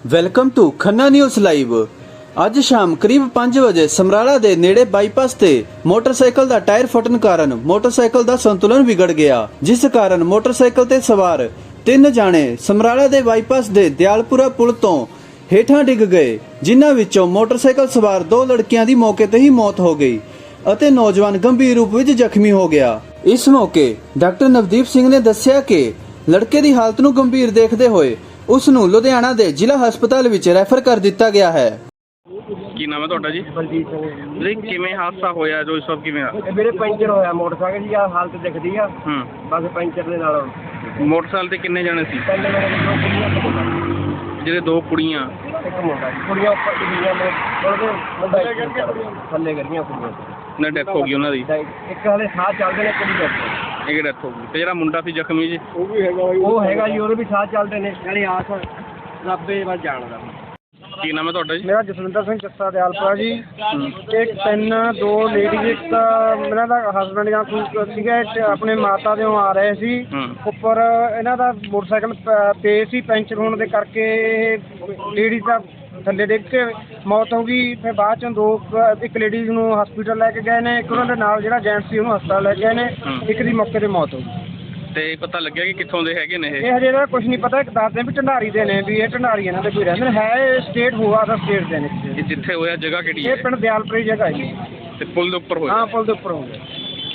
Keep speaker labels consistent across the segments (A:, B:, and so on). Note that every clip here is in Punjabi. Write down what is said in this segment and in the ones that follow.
A: Welcome to Khanna news live. ਅੱਜ ਸ਼ਾਮ ਕਰੀਬ 5 ਵਜੇ ਸਮਰਾਲਾ ਦੇ ਨੇੜੇ ਬਾਈਪਾਸ ਤੇ ਮੋਟਰਸਾਈਕਲ ਦਾ ਟਾਇਰ ਫਟਣ ਕਾਰਨ ਮੋਟਰਸਾਈਕਲ ਦਾ ਸੰਤੁਲਨ ਵਿਗੜ ਗਿਆ, ਜਿਸ ਕਾਰਨ ਮੋਟਰਸਾਈਕਲ ਤੇ ਸਵਾਰ 3 ਜਾਣੇ ਸਮਰਾਲਾ ਦੇ ਬਾਈਪਾਸ ਦੇ ਦਿਆਲਪੁਰਾ ਪੁਲ ਤੋਂ ਹੇਠਾਂ ਡਿੱਗ ਗਏ, ਜਿਨ੍ਹਾਂ ਵਿੱਚੋਂ ਮੋਟਰਸਾਈਕਲ ਸਵਾਰ 2 ਲੜਕਿਆਂ ਦੀ ਮੌਕੇ ਤੇ ਹੀ ਮੌਤ ਹੋ ਗਈ ਅਤੇ ਨੌਜਵਾਨ ਗੰਭੀਰ ਰੂਪ ਵਿੱਚ ਜ਼ਖਮੀ ਹੋ ਗਿਆ। ਇਸ ਮੌਕੇ ਡਾਕਟਰ ਨਵਦੀਪ ਸਿੰਘ ਨੇ ਦੱਸਿਆ ਕਿ ਲੜਕੇ ਦੀ ਹਾਲਤ ਨੂੰ ਗੰਭੀਰ ਦੇਖਦੇ ਹੋਏ ਉਸ ਨੂੰ ਲੁਧਿਆਣਾ ਦੇ ਜ਼ਿਲ੍ਹਾ ਹਸਪਤਾਲ ਵਿੱਚ ਰੈਫਰ ਕਰ ਦਿੱਤਾ ਗਿਆ ਹੈ।
B: ਕੀ ਨਾਮ ਹੈ ਤੁਹਾਡਾ ਜੀ?
C: ਬਲਜੀਤ ਸਿੰਘ
B: ਜੀ ਕਿਵੇਂ ਹਾਦਸਾ ਹੋਇਆ ਜੋ ਇਸ ਵਕਤ ਕਿਵੇਂ ਆ?
C: ਇਹ ਮੇਰੇ ਪੈਂਚਰ ਹੋਇਆ ਮੋਟਰਸਾਈਕਲ ਦੀ ਆ ਹਾਲਤ ਦਿਖਦੀ ਆ। ਬਸ ਪੈਂਚਰ ਦੇ ਨਾਲ
B: ਮੋਟਰਸਾਈਕਲ ਤੇ ਕਿੰਨੇ ਜਣੇ ਸੀ?
C: ਪਹਿਲੇ ਮੇਰੇ ਕੋਲ ਕੁੜੀਆਂ ਇੱਕ ਮੁੰਡਾ।
B: ਜਿਹੜੇ 2 ਕੁੜੀਆਂ
C: ਇੱਕ ਮੁੰਡਾ ਜੀ। ਕੁੜੀਆਂ ਉੱਪਰ ਕੁੜੀਆਂ ਨੇ ਉਹਦੇ ਮੁੰਡਾ ਥੱਲੇ ਕਰੀਆਂ ਕੁੜੀਆਂ
B: ਨੇ ਡੈਥ ਹੋ ਗਈ ਉਹਨਾਂ ਦੀ।
C: ਇੱਕ ਹਲੇ ਸਾਹ ਚੱਲਦੇ ਨੇ, ਇੱਕ ਦੀ ਡੈਥ।
B: ਇਹ ਡੈਥ ਹੋ ਗਈ ਤੇ ਜਿਹੜਾ ਮੁੰਡਾ ਸੀ ਜ਼ਖਮੀ ਜੀ
C: ਉਹ ਵੀ ਹੈਗਾ ਜੀ। ਉਹ ਹੈਗਾ ਜੀ, ਉਹਦੇ ਵੀ ਸਾਹ ਚੱਲਦੇ ਨੇ। ਨਾਲੇ ਆਸ ਰੱਬੇ ਵੱਲ ਜਾਣਦਾ।
B: ਕੀ ਨਾਮ ਹੈ ਤੁਹਾਡਾ ਜੀ?
C: ਮੇਰਾ ਜਸਵਿੰਦਰ ਸਿੰਘ ਜੱਸਾ ਦਿਆਲਪੁਰਾ ਜੀ। ਇੱਕ 2 ਲੇਡੀਜ਼, ਇੱਕ ਤਾਂ ਇਹਨਾਂ ਦਾ ਹਸਬੈਂਡ ਜਾਂ ਕੋਈ ਸੀਗਾ, ਆਪਣੇ ਮਾਤਾ ਦੇ ਆ ਰਹੇ ਸੀ। ਉੱਪਰ ਇਹਨਾਂ ਦਾ ਮੋਟਰਸਾਈਕਲ ਪੇ ਸੀ, ਪੈਂਚਰ ਹੋਣ ਦੇ ਕਰਕੇ ਲੇਡੀਜ਼ ਦਾ ਥੱਲੇ ਡਿੱਗ ਕੇ ਮੌਤ ਹੋ ਗਈ। ਫਿਰ ਬਾਅਦ ਚੋਂ ਇੱਕ ਲੇਡੀਜ਼ ਨੂੰ ਹਸਪੀਟਲ ਲੈ ਕੇ ਗਏ ਨੇ, ਇੱਕ ਉਹਨਾਂ ਦੇ ਨਾਲ ਜਿਹੜਾ ਜੈਂਟਸ ਸੀ ਉਹਨੂੰ ਹਸਪਤਾਲ ਲੈ ਕੇ ਗਏ ਨੇ। ਇੱਕ ਦੀ ਮੌਕੇ ਤੇ ਮੌਤ ਹੋ ਗਈ।
B: ਤੇ ਪਤਾ ਲੱਗਿਆ ਕਿ ਕਿੱਥੋਂ ਦੇ ਹੈਗੇ ਨੇ
C: ਇਹ ਹਜੇ ਦਾ ਕੁਝ ਨਹੀਂ ਪਤਾ। ਇੱਕ ਦੱਸਦੇ ਵੀ ਢੰਡਾਰੀ ਦੇ ਨੇ, ਵੀ ਇਹ ਢੰਡਾਰੀ ਇਹਨਾਂ ਦੇ ਕੋਈ ਰਹਿੰਦੇ ਨੇ। ਹੈ ਸਟੇਟ ਹੋਆ ਦਾ ਸਟੇਟ ਦੇ ਨੇ।
B: ਇਹ ਜਿੱਥੇ ਹੋਇਆ ਜਗ੍ਹਾ ਕਿਹੜੀ ਹੈ?
C: ਇਹ ਪਿੰਡ ਦਿਆਲਪੁਰੀ ਜਗ੍ਹਾ ਹੈ।
B: ਤੇ ਪੁਲ ਦੇ ਉੱਪਰ ਹੋਇਆ?
C: ਹਾਂ, ਪੁਲ ਦੇ ਉੱਪਰ ਹੋ ਗਿਆ।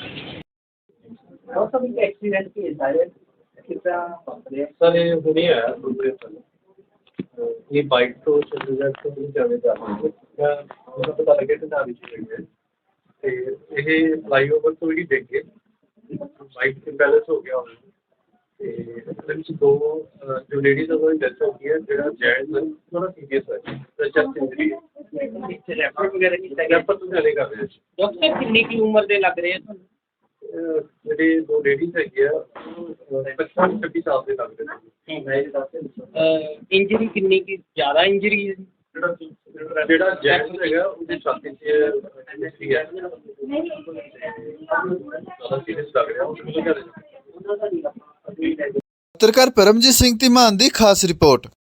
D: सर ये हुई है दूसरे पर ये बाइक तो चंडीगढ़ ਤੋਂ ਹੀ ਜਾਵੇ ਜਾ ਰਹੀ ਹੈ। ਮੈਨੂੰ ਪਤਾ ਲੱਗਿਆ ਕਿ ਨਾਰੀ ਚ ਗਈ ਹੈ ਤੇ ਇਹ ਫਲਾਈਓਵਰ ਤੋਂ ਹੀ ਡਿੱਗ ਕੇ ਬਾਈਕ ਤੇ ਬੈਲੈਂਸ ਹੋ ਗਿਆ ਹੋਣਾ ਤੇ ਇਹਦੇ ਵਿੱਚ 2 ਜੋ ਲੇਡੀਜ਼ ਉਹਨਾਂ ਦੀ ਡੈਥ ਹੋ ਗਈ ਹੈ। ਜਿਹੜਾ ਜੈਂਟਸ ਥੋੜਾ ਸੀਰੀਅਸ ਹੈ, ਚੈਸਟ ਇੰਜਰੀ ਹੈ।
E: ਇੱਥੇ ਰੈਫਰ ਵਗੈਰਾ ਕੀਤਾ ਗਿਆ?
D: ਰੈਫਰ ਤੋਂ ਜਾਣੇ ਕਰ ਰਹੇ ਸੀ।
E: ਡਾਕਟਰ ਕਿੰਨੀ ਕੀ ਉਮਰ ਦੇ ਲੱਗ ਰਹੇ ਆ ਤੁਹਾਨੂੰ?
D: ਜਿਹੜੇ 2 ਲੇਡੀਜ਼ ਹੈਗੇ ਆ 25-26 ਸਾਲ ਦੇ ਲੱਗਦੇ ਨੇ।
E: ਇੰਜਰੀ ਕਿੰਨੀ ਕੀ ਜ਼ਿਆਦਾ ਇੰਜਰੀ ਹੈ?
D: ਜਿਹੜਾ ਜੈਂਟਸ ਹੈਗਾ ਉਹਦੀ ਛਾਤੀ 'ਚ ਇੰਜਰੀ ਹੈ, ਜ਼ਿਆਦਾ ਸੀਰੀਅਸ ਲੱਗ ਰਿਹਾ। ਉਹ
A: ਪੱਤਰਕਾਰ ਪਰਮਜੀਤ ਸਿੰਘ ਧੀਮਾਨ ਦੀ ਖਾਸ ਰਿਪੋਰਟ।